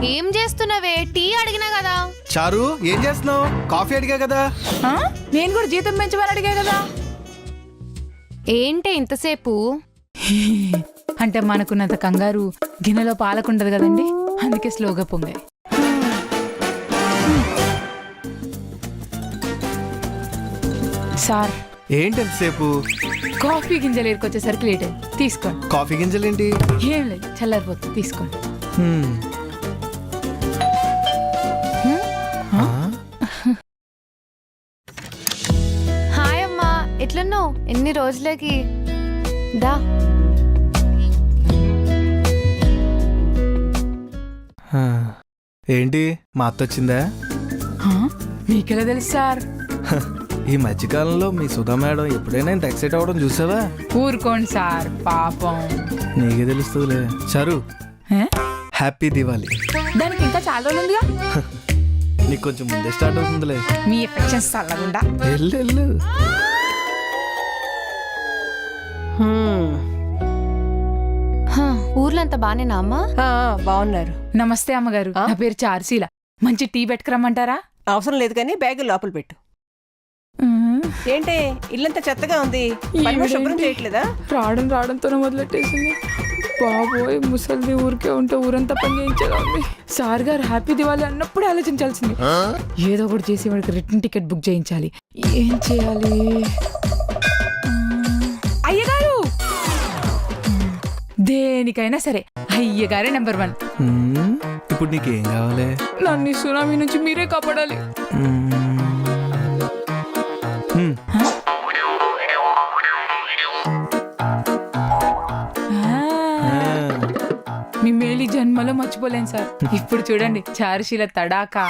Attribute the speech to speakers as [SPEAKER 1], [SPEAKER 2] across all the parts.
[SPEAKER 1] ఏం చేస్తున్నావే? టీ అడిగినా కదా.
[SPEAKER 2] చారు ఏం చేస్తున్నావు? కాఫీ అడిగా కదా.
[SPEAKER 3] నేను కూడా జీతం పెంచమని అడిగా కదా.
[SPEAKER 1] ఏంటే ఇంతసేపు?
[SPEAKER 3] అంటే మనకున్నంత కంగారు గిన్నెలో పాలకుండదు కదండి, అందుకే స్లోగా పొంగాయి. సార్
[SPEAKER 2] ఏంటి ఎంతసేపు?
[SPEAKER 3] కాఫీ గింజలు ఏరుకొచ్చేసరికి లేట్ అయింది, తీసుకోండి.
[SPEAKER 2] కాఫీ గింజలేంటి?
[SPEAKER 3] ఏం లేదు, చల్లారిపోతుంది, తీసుకోండి.
[SPEAKER 1] హాయ్ అమ్మా, ఎట్లున్నావు? ఎన్ని రోజులకి దా.
[SPEAKER 2] ఏంటి మా అత్త వచ్చిందా?
[SPEAKER 3] మీకెలా తెలుసు సార్?
[SPEAKER 2] ఈ మధ్యకాలంలో మీ సుధా మేడం ఎప్పుడైనా ఇంత ఎక్సైట్ అవ్వడం చూసావా?
[SPEAKER 3] ఊరుకోండి సార్, పాపం.
[SPEAKER 2] నీకే తెలుస్తుందిలే. చారు
[SPEAKER 3] హే?
[SPEAKER 2] హ్యాపీ దివాలి.
[SPEAKER 3] దానికి ఇంకా చాలా రోజులు ఉందిగా.
[SPEAKER 2] నీకు కొంచెం ముందే స్టార్ట్ అవుతుందిలే.
[SPEAKER 3] మీ ఎఫెక్షన్స్ చల్లగుండా.
[SPEAKER 2] వెళ్ళు.
[SPEAKER 1] ఊర్లో అంతా బానేనా అమ్మా?
[SPEAKER 4] బాగున్నారు.
[SPEAKER 3] నమస్తే అమ్మగారు, నా పేరు చార్సీల. మంచి టీ పెట్టుకురమ్మంటారా?
[SPEAKER 4] అవసరం లేదు కానీ బ్యాగ్ లోపల పెట్టు. ఏంటి ఇల్లంతా చెత్తగా ఉంది, పని శుభ్రం చేయట్లేదా?
[SPEAKER 3] రావడంతోనే మొదలెట్టేసింది. బాబోయ్, ముసలిది ఊరికే ఉంటే ఊరంతా పని చేయించేలా ఉంది. సార్ గారు హ్యాపీ దివాలి అన్నప్పుడు ఆలోచించాల్సింది. ఏదో ఒకటి చేసి వాడికి రిటర్న్ టికెట్ బుక్ చేయించాలి. ఏం చేయాలి? అయ్యగారు, దేనికైనా సరే అయ్యగారే నెంబర్ 1.
[SPEAKER 2] ఇప్పుడు నీకేం కావాలి?
[SPEAKER 3] నన్ను ఈ సునామీ నుంచి మీరే కాపాడాలి. మీ మేలి జన్మలో మర్చిపోలేను సార్. ఇప్పుడు చూడండి, చారుశీల తడాకా.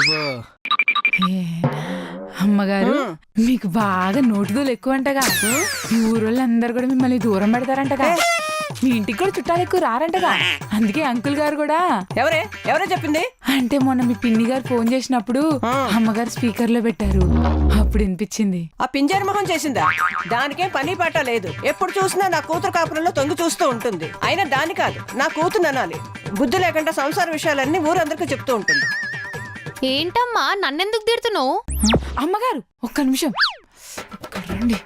[SPEAKER 3] అమ్మగారు, మీకు బాగా నోటుదోలు ఎక్కువ అంటగా. ఈ ఊరోళ్ళందరూ కూడా మిమ్మల్ని దూరం పెడతారంటగా. మీ ఇంటికి కూడా చుట్టాలు ఎక్కువ రారంటగా. అందుకే అంకుల్ గారు కూడా.
[SPEAKER 4] ఎవరే చెప్పింది?
[SPEAKER 3] అంటే మొన్న మీ పిన్ని గారు ఫోన్ చేసినప్పుడు అమ్మగారు స్పీకర్ లో పెట్టారు, అప్పుడు వినిపించింది.
[SPEAKER 4] ఆ పింజారి మొహం చేసిందా? దానికేం పని పాట లేదు. ఎప్పుడు చూసినా నా కూతురు కాపురంలో తొంగి చూస్తూ ఉంటుంది. అయినా దాని కాదు, నా కూతురు అనాలి. బుద్ధి లేకుండా సంసార విషయాలన్నీ ఊరందరికీ చెప్తూ ఉంటుంది.
[SPEAKER 1] ఏంటమ్మా నన్నెందుకు తిడుతున్నావు?
[SPEAKER 3] అమ్మగారు ఒక్క నిమిషం రండి.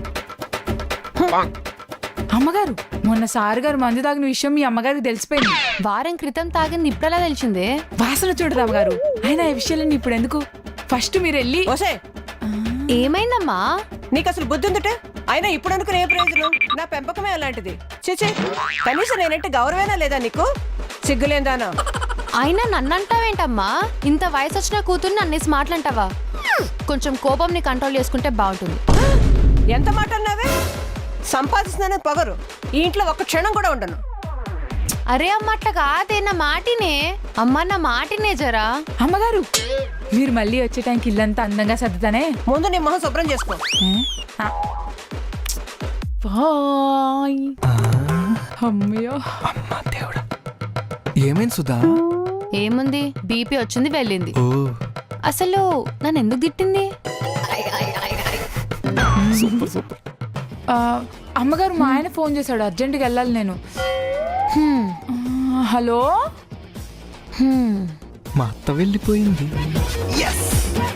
[SPEAKER 3] అమ్మగారు, మొన్న సార్ గారు మందు తాగిన విషయం మీ అమ్మగారికి తెలిసిపోయింది.
[SPEAKER 1] వారం క్రితం తాగింది ఇప్పుడలా తెలిసిందే?
[SPEAKER 3] వాసన చూడదు అమ్మగారు. అయినా ఈ విషయాలన్నీ ఇప్పుడు ఎందుకు, ఫస్ట్ మీరు వెళ్ళి.
[SPEAKER 4] ఓసే,
[SPEAKER 1] ఏమైందమ్మా?
[SPEAKER 4] నీకు అసలు బుద్ధి ఉందటే? అయినా ఇప్పుడు అనుకునే ప్రయోజనం? నా పెంపకమే అలాంటిది. చిచి, కనీసం నేనంటే గౌరవేనా లేదా నీకు? సిగ్గులేందానా?
[SPEAKER 1] అయినా నన్నంటావేంటమ్మా? ఇంత వయసు వచ్చిన కూతుర్ని అన్నేసి మాటలంటావా? కొంచెం కోపంని కంట్రోల్ చేసుకుంటే బాగుంటుంది.
[SPEAKER 4] ఎంత మాట అన్నావే? సంపాదిస్తున్నానని పొగరు ఈ ఇంట్లో ఒక్క క్షణం కూడా ఉండను.
[SPEAKER 1] అరే అమ్మ, అట్లా కాదే, నా మాటినే అమ్మా, నా మాటినే జరా.
[SPEAKER 3] అమ్మగారు, మీరు మళ్ళీ వచ్చే టైంకి ఇల్లంతా అందంగా సర్దుతానే.
[SPEAKER 4] ముందు నీ మొహం శుభ్రం చేసుకో.
[SPEAKER 3] బాయ్. అమ్మయ్యో,
[SPEAKER 2] అమ్మా దేవుడా. ఏమైంది సుధా?
[SPEAKER 1] ఏముంది, బీపీ వచ్చింది వెళ్ళింది.
[SPEAKER 2] ఓ,
[SPEAKER 1] అసలు నన్ను ఎందుకు తిట్టింది?
[SPEAKER 2] Super super.
[SPEAKER 3] అమ్మగారు, మా ఆయన ఫోన్ చేశాడు, అర్జెంటుగా వెళ్ళాలి నేను. హలో,
[SPEAKER 2] మా అత్త వెళ్ళిపోయింది.